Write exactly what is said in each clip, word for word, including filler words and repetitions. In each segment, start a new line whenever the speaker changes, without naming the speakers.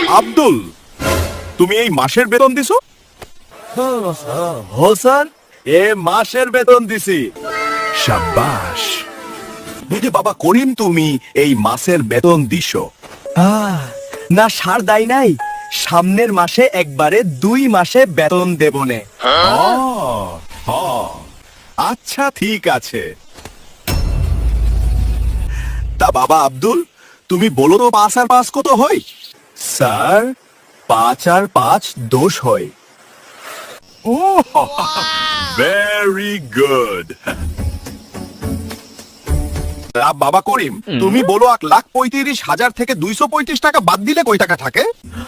আব্দুল, তুমি এই মাসের বেতন দিছো?
হো স্যার, এ মাসের বেতন দিছি।
শাবাশ। বুঝে বাবা করিম, তুমি এই মাসের বেতন দিছো?
আহ, না সার দাই নাই, সামনের মাসে একবারে দুই মাসে বেতন দেবনে।
আহ, হ্যাঁ। আচ্ছা ঠিক আছে। তা বাবা আব্দুল, তুমি বলো তো পাঁচ আর পাঁচ কত হয়?
স্যার, পাঁচ আর পাঁচ দোষ হয়।
Very good. বাবা করিম, তুমি বলো এক লাখ পঁয়ত্রিশ হাজার থেকে দুইশো পঁয়ত্রিশ টাকা বাদ দিলে কয় টাকা থাকে?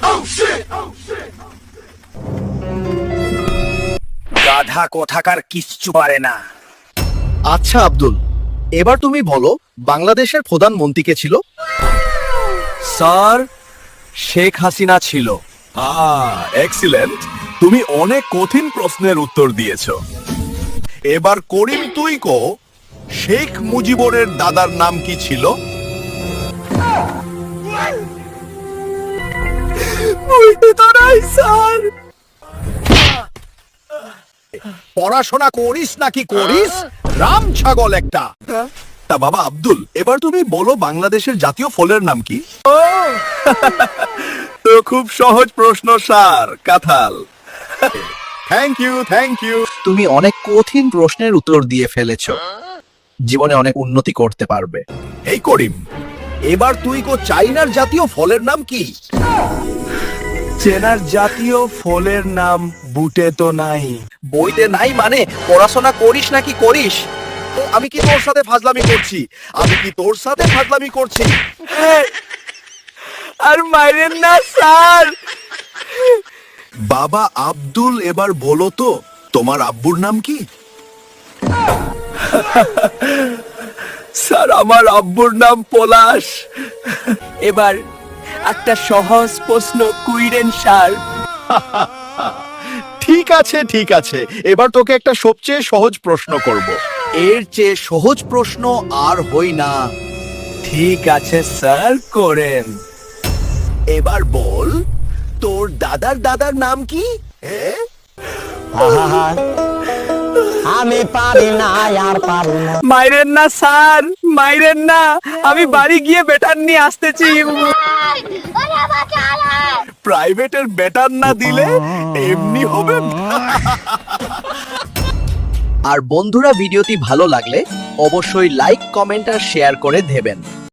গাধা কোথাকার কিচ্ছু পারে না।
আচ্ছা আব্দুল, এবার তুমি বলো বাংলাদেশের প্রধানমন্ত্রী কে ছিল?
স্যার, শেখ হাসিনা ছিল।
Ah, excellent. তুমি অনেক কঠিন প্রশ্নের উত্তর দিয়েছো। এবার করিম তুই কো, শেখ মুজিবুরের দাদার নাম কি ছিল?
বলতে তো নাই স্যার।
পড়াশোনা করিস নাকি করিস? রাম ছাগল একটা। তা বাবা আব্দুল, এবার তুমি বলো বাংলাদেশের জাতীয় ফলের নাম কি? তো খুব সহজ প্রশ্ন স্যার, কাঁঠাল। Thank you, thank you.
তুমি অনেক কঠিন প্রশ্নের উত্তর দিয়ে ফেলেছো। জীবনে অনেক উন্নতি করতে পারবে।
এই করিম, এবার তুই কো চাইনার জাতীয় ফলের নাম কি?
চেনার জাতীয় ফলের নাম বুটে তো নাই।
বইতে নাই মানে পড়াশোনা করিস নাকি করিস? তো আমি কি তোর সাথে ফাজলামি করছি? আমি কি তোর সাথে ফাজলামি করছি?
আর মাইরেন না স্যার।
বাবা আব্দুল, এবার বলো তো তোমার আব্বুর নাম কি?
স্যার, আমার আব্বুর নাম পলাশ। এবার একটা সহজ প্রশ্ন কুইরেন স্যার।
ঠিক আছে ঠিক আছে, এবার তোকে একটা সবচেয়ে সহজ প্রশ্ন করব। এর চেয়ে সহজ প্রশ্ন আর হই না।
ঠিক আছে স্যার, করেন।
এবার বল, তোর দাদার দাদার নাম কি? হ্যাঁ?
আমি পারি না আর পারি না।
মাইরেন না স্যার, মাইরেন না। আমি বাড়ি গিয়ে বেটার নিয়ে আসতেছি।
প্রাইভেটের বেটার না দিলে এমনি হবে।
আর বন্ধুরা, ভিডিওটি ভালো লাগলে অবশ্যই লাইক, কমেন্ট আর শেয়ার করে দেবেন।